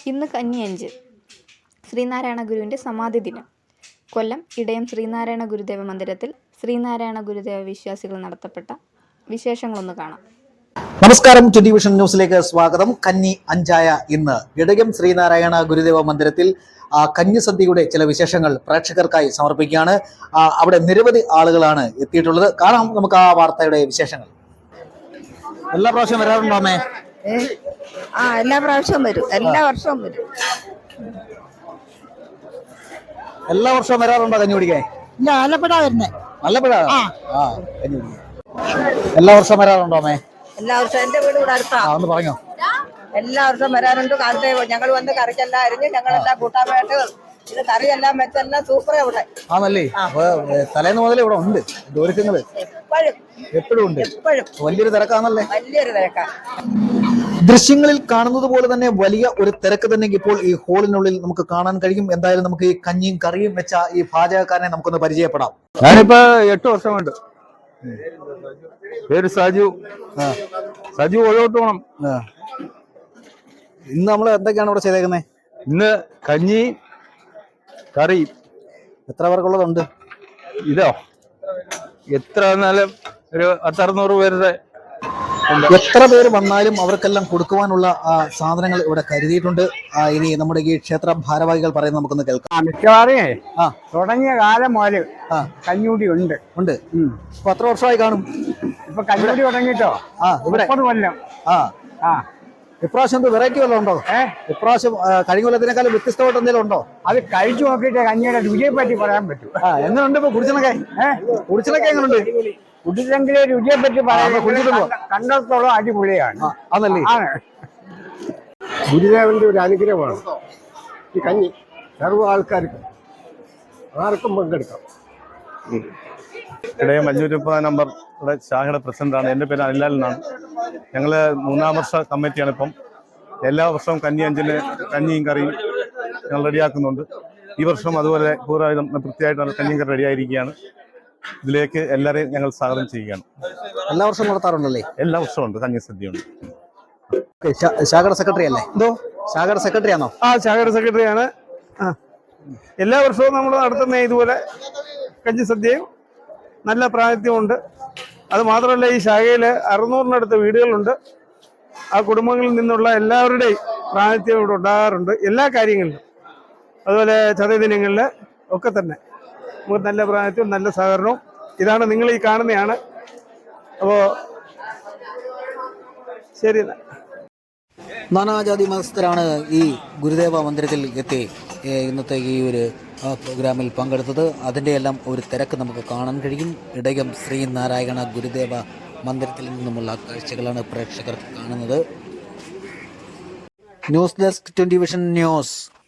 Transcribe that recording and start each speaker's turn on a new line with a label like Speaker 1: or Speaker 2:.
Speaker 1: ഇന്ന് കന്നി 5 ശ്രീനാരായണ ഗുരുവിൻ്റെ സമാധി ദിനം. കൊല്ലം ഇടയം ശ്രീനാരായണ ഗുരുദേവ മന്ദിരത്തിൽ ശ്രീനാരായണ ഗുരുദേവ വിശ്വാസികൾ നടത്തപ്പെട്ട വിശേഷങ്ങളൊന്ന് കാണാം.
Speaker 2: നമസ്കാരം. 20 വിഷൻ ന്യൂസിലേക്ക് സ്വാഗതം. കന്നി 5 ഇന്ന് ഇടയം ശ്രീനാരായണ ഗുരുദേവ മന്ദിരത്തിൽ കന്യസദ്യയുടെ ചില വിശേഷങ്ങൾ പ്രേക്ഷകർക്കായി സമർപ്പിക്കുകയാണ്. അവിടെ നിരവധി ആളുകളാണ് എത്തിയിട്ടുള്ളത്. കാണാം നമുക്ക് ആ വാർത്തയുടെ വിശേഷങ്ങൾ. എല്ലാ പ്രാവശ്യം വരാറുണ്ടോ അമ്മേ?
Speaker 3: എല്ലാ പ്രാവശ്യവും വരും, എല്ലാ വർഷവും വരും.
Speaker 2: എല്ലാ വർഷവും വരാറുണ്ടോ കഞ്ഞി കുടിക്കാൻ?
Speaker 3: ഇല്ല, ആലപ്പുഴ വരുന്നേ.
Speaker 2: ആലപ്പുഴ? കഞ്ഞി കുടിക്കാൻ എല്ലാ വർഷവും വരാറുണ്ടോ അമ്മേ?
Speaker 3: എല്ലാ വർഷവും എന്റെ വീട് ഇവിടെ അടുത്താ.
Speaker 2: ഒന്ന് പറഞ്ഞോ.
Speaker 3: എല്ലാ വർഷവും വരാറുണ്ട്. കാലത്തെ ഞങ്ങൾ വന്ന് കറിക്കെല്ലാം അരിഞ്ഞ് ഞങ്ങളെല്ലാം കൂട്ടാനായിട്ട് ഇത് കറിയെല്ലാം വെച്ചെല്ലാം സൂപ്പർ ഇവിടെ.
Speaker 2: ആണല്ലേ? തലേന്ന് മുതൽ ഇവിടെ ഉണ്ട് ഒരുക്കങ്ങള്. എപ്പോഴും ഉണ്ട്. വലിയൊരു തിരക്കാണല്ലേ?
Speaker 3: വലിയൊരു തിരക്കാ.
Speaker 2: ദൃശ്യങ്ങളിൽ കാണുന്നത് പോലെ തന്നെ വലിയ ഒരു തിരക്ക് തന്നെ ഇപ്പോൾ ഈ ഹോളിനുള്ളിൽ നമുക്ക് കാണാൻ കഴിയും. എന്തായാലും നമുക്ക് ഈ കഞ്ഞിയും കറിയും വെച്ച ഈ പാചകക്കാരനെ നമുക്കൊന്ന് പരിചയപ്പെടാം.
Speaker 4: ഞാനിപ്പോ 8 വർഷമുണ്ട്. പേര് സജു. സജു ഒഴോട്ടോണം.
Speaker 2: ഇന്ന് നമ്മൾ എന്തൊക്കെയാണ് ഇവിടെ ചെയ്തേക്കുന്നത്?
Speaker 4: ഇന്ന് കഞ്ഞി കറി.
Speaker 2: എത്ര പേർക്കുള്ളതുണ്ട്?
Speaker 4: ഇതോ എത്ര വന്നാലും ഒരു 500-600 പേരുടെ.
Speaker 2: എത്ര പേര് വന്നാലും അവർക്കെല്ലാം കൊടുക്കുവാനുള്ള സാധനങ്ങൾ ഇവിടെ കരുതിയിട്ടുണ്ട്. ഇനി നമ്മുടെ ഈ ക്ഷേത്ര ഭാരവാഹികൾ പറയുന്നത് നമുക്കൊന്ന് കേൾക്കാം.
Speaker 5: മിക്കവാറേ തുടങ്ങിയ കാലം മുതൽ കഞ്ഞൂടി ഉണ്ട്.
Speaker 2: ഇപ്പൊ എത്ര വർഷമായി കാണും?
Speaker 5: ഇപ്പൊ കഞ്ഞൂടി തുടങ്ങിട്ടോ 30 കൊല്ലം.
Speaker 2: ഇപ്രാവശ്യം വെറൈറ്റി വല്ലതും ഉണ്ടോ? ഇപ്രാവശ്യം കഴിഞ്ഞ കൊല്ലത്തിനേക്കാളും വ്യത്യസ്തമായിട്ട് എന്തെങ്കിലും ഉണ്ടോ?
Speaker 5: അത് കഴിച്ചു നോക്കിയിട്ട് കഞ്ഞിയുടെ രുചിയെ പറ്റി പറയാൻ പറ്റും.
Speaker 2: എങ്ങനെയുണ്ട് ഇപ്പൊ കുടിച്ചണക്കെ? കുടിച്ചണക്കെ എങ്ങനെയുണ്ട്?
Speaker 5: കുടിച്ചെങ്കിലേ രുചിയെ പറ്റി പറയാൻ. കണ്ടെത്തോളം അടിപൊളിയാണ്.
Speaker 2: അതല്ലേ?
Speaker 6: ഗുരുദേവന്റെ ഒരു അനുഗ്രഹമാണ് ഈ കഞ്ഞി. സർവ്വ ആൾക്കാർക്കും ആർക്കും പങ്കെടുക്കാം.
Speaker 4: ഇടയം 530 നമ്പർ ശാഖയുടെ പ്രസിഡന്റാണ്. എൻ്റെ പേര് അനിലാൽ എന്നാണ്. ഞങ്ങൾ 3-ാം വർഷ കമ്മിറ്റിയാണ്. ഇപ്പം എല്ലാ വർഷവും കന്നി 5-ന് കഞ്ഞിയും കറിയും ഞങ്ങൾ റെഡിയാക്കുന്നുണ്ട്. ഈ വർഷം അതുപോലെ പൂർവ്വം വൃത്തിയായിട്ട് കഞ്ഞിയും കറി റെഡിയായിരിക്കുകയാണ്. ഇതിലേക്ക് എല്ലാവരെയും ഞങ്ങൾ സ്വാഗതം ചെയ്യുകയാണ്.
Speaker 2: എല്ലാ വർഷവും നടത്താറുണ്ടല്ലേ?
Speaker 4: എല്ലാ വർഷവും ഉണ്ട് കഞ്ഞി സദ്യയുണ്ട്.
Speaker 2: ശാഖയുടെ സെക്രട്ടറി അല്ലേ? ശാഖയുടെ സെക്രട്ടറി ആണോ?
Speaker 5: ശാഖയുടെ സെക്രട്ടറിയാണ്. എല്ലാ വർഷവും നമ്മൾ നടത്തുന്ന ഇതുപോലെ കഞ്ഞി സദ്യയും നല്ല പ്രാതിനിധ്യമുണ്ട്. അത് മാത്രമല്ല, ഈ ശാഖയിൽ 600-നടുത്ത് വീടുകളുണ്ട്. ആ കുടുംബങ്ങളിൽ നിന്നുള്ള എല്ലാവരുടെയും പ്രാതിനിധ്യം ഇവിടെ ഉണ്ടാകാറുണ്ട് എല്ലാ കാര്യങ്ങളിലും. അതുപോലെ ചതയദിനങ്ങളിൽ ഒക്കെ തന്നെ നമുക്ക് നല്ല പ്രാതിനിധ്യവും നല്ല സഹകരണവും. ഇതാണ് നിങ്ങൾ ഈ കാണുന്നതാണ്. അപ്പോൾ ശരി.
Speaker 2: നാനാജാതി മതസ്ഥരാണ് ഈ ഗുരുദേവ മന്ദിരത്തിൽ എത്തി ഇന്നത്തെ ഈ ഒരു പ്രോഗ്രാമിൽ പങ്കെടുത്തത്. അതിൻ്റെ എല്ലാം ഒരു തിരക്ക് നമുക്ക് കാണാൻ കഴിയും. ഇടയം ശ്രീനാരായണ ഗുരുദേവ മന്ദിരത്തിൽ നിന്നുമുള്ള കാഴ്ചകളാണ് പ്രേക്ഷകർ കാണുന്നത്. News desk 20 Vision news.